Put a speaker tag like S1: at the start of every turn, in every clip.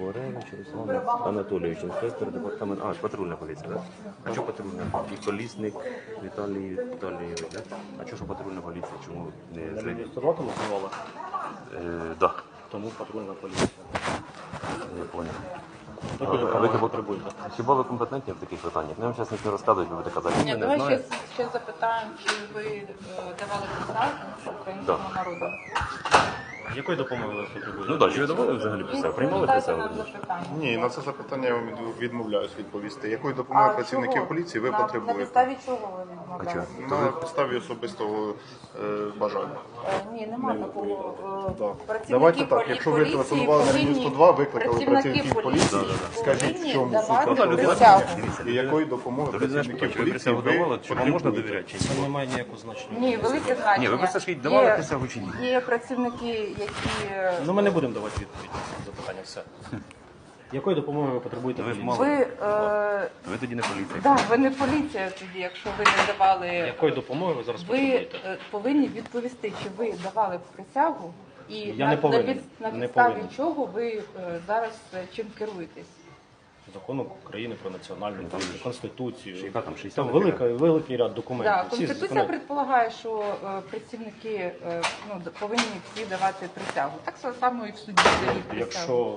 S1: Григоревич Руслан Анатолійович, інспектор департаменту. А, патрульна поліція, так? А що патрульна? І колісник Віталій Віталійович, так? А що патрульна поліція? Чому не зрозуміло?
S2: 102 телефонували,
S1: Так,
S2: тому патрульна поліція.
S1: я понял.
S2: Таку допомогу потребуєте.
S1: Хіба ви компетентні в таких питаннях? Я вам зараз нічого не розказують, ви будете казати,
S3: Ні,
S1: ми не
S3: давай
S1: знаємо.
S3: ще запитаємо, чи ви давали присягу українському народу.
S2: Якої допомоги ви потребуєте?
S1: Ну так, чи ви давали взагалі присягу? Приймали
S3: Дайте
S1: присягу?
S3: нам запитання.
S4: Ні, на це запитання я вам відмовляюсь відповісти. Якої допомоги
S3: А
S4: працівників
S3: чого?
S4: поліції ви
S3: На
S4: потребуєте?
S3: підставі чого ви відмовляєте?
S4: На підставі особистого бажання.
S3: Ні, немає такого.
S4: Да.
S3: Працівники
S4: Давайте так, якщо ви
S3: поліції
S4: телефонували на
S3: повинні-
S4: 102, викликали
S3: працівники
S4: працівників поліції, скажіть, в
S3: повинні
S4: чому суть
S3: давати
S4: вашого
S3: присягу.
S4: звернення і якої допомоги працівників
S1: Ви
S4: поліції
S1: присягу
S4: ви
S1: давали, чи вам можна
S4: потребуєте?
S1: довіряти? Чи
S2: Це
S1: ні?
S2: не має ніякого значення.
S3: Ні, велике значення.
S1: Ні, ви просто скажіть, давали
S3: Є-
S1: присягу чи ні?
S3: Є працівники, які...
S2: Ну ми не будемо давати відповідь на запитання, все. Якої допомоги ви потребуєте?
S1: Ви ж
S2: поліції?
S1: мало.
S3: Ви,
S1: Ви тоді не поліція.
S3: да, ви не поліція тоді, якщо ви не давали...
S2: Якої допомоги ви зараз
S3: Ви
S2: потребуєте?
S3: повинні відповісти, чи ви давали присягу і
S2: Я не повинен.
S3: на
S2: Не
S3: підставі
S2: повинен.
S3: чого ви зараз чим керуєтесь.
S2: Закону України про національну поліцію, Конституцію.
S1: Яка там, 60
S2: Там великий ряд документів.
S3: Да,
S2: Всі
S3: Конституція
S2: закони.
S3: предполагає, що працівники повинні всі давати присягу. Так само і в суді дають присягу.
S2: Якщо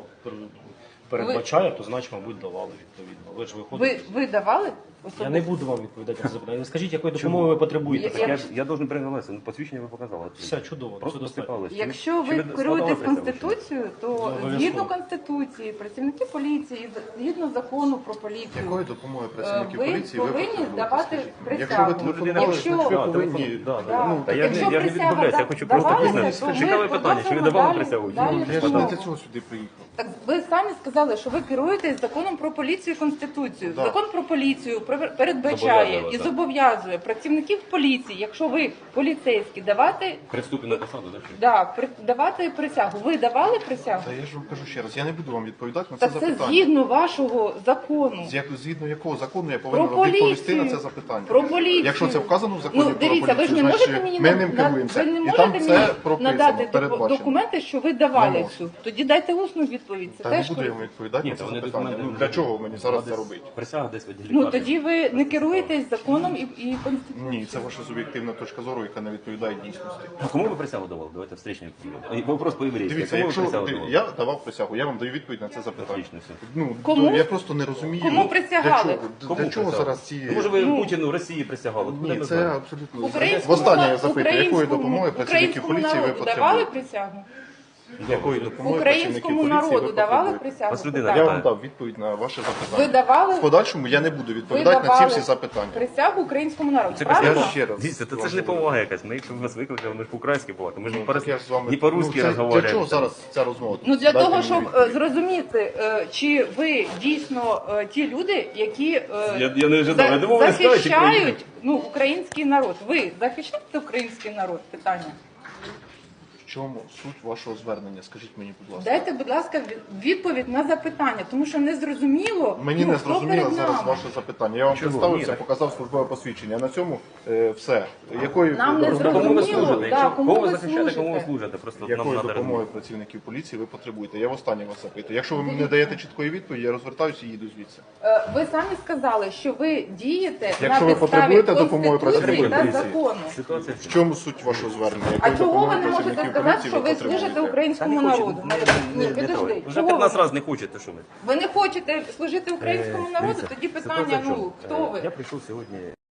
S2: передбачає, то значить, мабуть, давали відповідно. Ви ж виходите.
S3: Ви давали
S2: Я
S3: особисто?
S2: не буду вам відповідати на запитання. Ви скажіть, якої допомоги ви потребуєте?
S3: Я-
S1: Так я должен признаватися, ну посвідчення ви показали.
S2: Все чудово,
S1: Просто
S2: все достатньо.
S1: посипались.
S3: Якщо ви
S1: складали
S3: керуєтесь
S1: присягу, чи ні?
S3: Конституцією, то
S2: обов'язково.
S3: згідно Конституції, працівники поліції, згідно закону про поліцію,
S4: Якої допомоги працівників
S3: ви
S4: поліції ви
S3: повинні
S4: потребуєте?
S3: давати
S4: Скажіть мені.
S3: присягу.
S4: Якщо ви телефонували,
S3: Якщо-
S4: значить ви
S1: Да,
S4: повинні...
S1: да,
S3: Да.
S1: Ну, та я
S3: Якщо
S1: не
S3: присяга
S1: відмовляюся, я хочу просто
S3: давалася,
S1: пізнати.
S3: то ми
S1: Цікаве питання, чи ви
S3: продовжимо
S1: давали
S3: далі-
S1: присягу? чи
S3: далі
S1: ні?
S4: Я ж
S3: Ну,
S4: не для цього сюди приїхав.
S3: Так ви самі сказали, що ви керуєтесь законом про поліцію і Конституцію.
S4: Да.
S3: Закон про поліцію передбачає
S1: Зобов'язує
S3: і
S1: вас,
S3: зобов'язує працівників поліції, якщо ви поліцейські, давати,
S1: При вступі на посаду, так?
S3: давати присягу. Ви давали присягу?
S4: Та я ж вам кажу ще раз, я не буду вам відповідати на це
S3: Так це
S4: запитання.
S3: згідно вашого закону.
S4: Згідно якого закону я повинен
S3: Про
S4: вам відповісти
S3: поліцію.
S4: на це запитання?
S3: Про поліцію.
S4: Якщо це вказано в законі
S3: Ну,
S4: про
S3: дивіться, ви ж
S4: поліцію,
S3: не можете
S4: значить
S3: мені
S4: ми ним керуємося.
S3: ви не
S4: І там
S3: можете
S4: це
S3: мені
S4: прописано,
S3: надати
S4: передбачено.
S3: документи, що ви
S4: Не
S3: давали
S4: можу.
S3: цю. Тоді дайте усну відповідь. Це
S4: Та не
S3: теж
S4: буду я вам
S3: корисно.
S4: відповідати
S1: Ні,
S4: на це
S1: та вони
S4: запитання.
S1: документи
S4: Ну, для чого мені зараз це робити?
S1: Присяга десь в відділі
S3: Ну
S1: кадрів.
S3: тоді ви не керуєтесь законом і Конституцією.
S4: Ні, це ваша суб'єктивна точка зору, яка не відповідає дійсності.
S1: А кому ви присягу давали? Давайте встречний відповідь. Вопрос по-єврейськи.
S4: Дивіться,
S1: Кому ви
S4: якщо
S1: присягу давали?
S4: я давав присягу, я вам даю відповідь на це запитання.
S1: Отлично, все.
S4: Ну,
S3: Кому?
S4: я просто не розумію.
S3: Кому присягали?
S4: Для чого
S1: присягу?
S4: зараз ці...
S1: Ну, може ви Путіну, Росії присягали? Куди
S4: Ні,
S1: ми
S4: це
S1: знаємо?
S4: абсолютно...
S3: Українському
S4: Востаннє я запитую, якої
S3: українському-
S4: допомоги працівників
S3: українському
S4: поліції ви
S3: народу давали
S4: потребуєте?
S3: присягу?
S4: Якої допомоги
S3: Українському
S4: працівників поліції
S3: народу
S4: ви
S3: давали
S4: потребуєте?
S3: присягу?
S1: Вас людина
S4: Я
S3: Так.
S4: вам дав відповідь на ваше
S3: Ви
S4: запитання.
S3: давали
S4: В подальшому я не буду
S3: ви
S4: відповідати на ці
S3: давали
S4: всі запитання.
S3: присягу українському народу.
S1: Це
S3: Правильно?
S1: присяга.
S4: ще раз
S1: Дивіться, це
S4: вам
S1: ж не
S4: говорю.
S1: повага якась. Ми якщо б вас викликали, ми ж по-українськи балакали. Ми ж
S4: Ну, так я ж з вами...
S1: не по-русски
S4: це-
S1: розмовляємо.
S4: Для чого зараз ця розмова?
S3: Ну для
S4: Дайте
S3: того,
S4: мені
S3: щоб
S4: відповідь.
S3: зрозуміти, чи ви дійсно ті люди, які
S1: Я не ожидав. Я думав, ви скажете,
S3: захищають український народ. Ви захищаєте український народ? Питання.
S4: В чому суть вашого звернення? Скажіть мені, будь ласка.
S3: Дайте, будь ласка, відповідь на запитання, тому що не зрозуміло.
S4: Мені не
S3: хто
S4: зрозуміло
S3: перед
S4: зараз
S3: нами.
S4: ваше запитання. Я вам
S1: Чого?
S4: представився,
S1: Ні,
S4: показав службове посвідчення. На цьому все. Якої
S3: Нам не
S4: допомоги-
S1: Кому ви
S3: Зрозуміло,
S1: служите?
S3: да,
S1: Якщо
S3: кому
S1: кого ви
S3: ви
S1: захищаєте, кому ви
S3: служите?
S1: служите? Просто нам
S4: Якої
S1: треба
S4: допомоги працівників поліції ви потребуєте? Я востаннє вас запитую. Якщо ви мені не даєте чіткої відповіді, я розвертаюся і їду звідси.
S3: Ви самі сказали, що ви дієте
S4: Якщо
S3: на
S4: ви
S3: підставі
S4: потребуєте допомоги
S3: Конституції
S4: працівників
S3: та
S4: поліції.
S3: закону.
S1: Ситуація
S4: В чому суть вашого звернення?
S3: А
S4: Якої
S3: чого ви
S4: допомоги
S3: не можете
S4: працівників
S3: сказати,
S4: поліції
S3: що ви
S4: потребуєте?
S3: служите українському народу? Ні, підожди.
S1: Вже
S3: Чого
S1: 15
S3: ви?
S1: разів не хочете, що ви.
S3: Ви не хочете служити українському народу?
S1: Дивіться,
S3: Тоді
S1: ситуація
S3: питання,
S1: в чому?
S3: ну хто ви?
S1: Я прийшов сьогодні